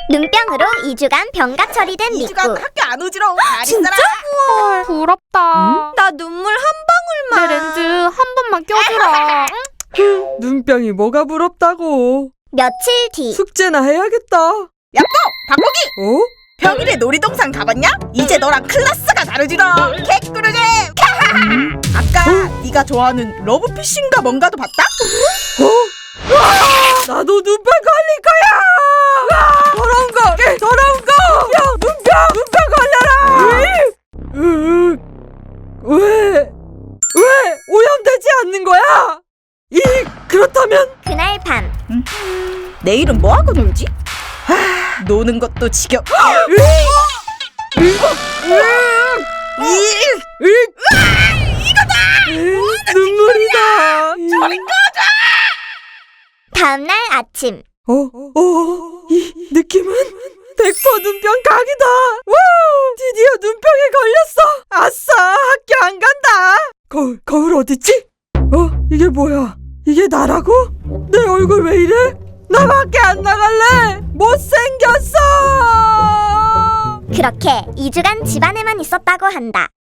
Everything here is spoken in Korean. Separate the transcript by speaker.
Speaker 1: 눈병으로 2주간 병가 처리된 미꾸.
Speaker 2: 2주간 학교 안 오지롱.
Speaker 1: 진짜?
Speaker 2: 우와.
Speaker 3: 부럽다.
Speaker 1: 나 눈물 한 방울만.
Speaker 3: 내 렌즈 한 번만 껴주라.
Speaker 4: 눈병이 뭐가 부럽다고.
Speaker 1: 며칠 뒤.
Speaker 4: 숙제나 해야겠다.
Speaker 2: 야뽀! 박보기!
Speaker 4: 어?
Speaker 2: 평일에 놀이동산 가봤냐? 이제 너랑 클래스가 다르지롱. 개꿀잼! 아까 네가 좋아하는 러브피쉬인가 뭔가도 봤다?
Speaker 4: 나도 눈병 걸릴 거야! 더러운 거! 더러운 거! 눈병 걸려라! 왜 오염되지 않는 거야? 그렇다면
Speaker 1: 그날 밤.
Speaker 2: 내일은 뭐하고 놀지? 노는 것도 지겨.
Speaker 4: 눈물이다.
Speaker 1: 다음날 아침.
Speaker 4: 이 느낌은 100% 눈병 각이다. 와! 드디어 눈병에 걸렸어. 아싸, 학교 안 간다. 거울 어딨지? 이게 뭐야? 이게 나라고? 내 얼굴 왜 이래? 나 밖에 안 나갈래. 못생겼어.
Speaker 1: 그렇게 2주간 집안에만 있었다고 한다.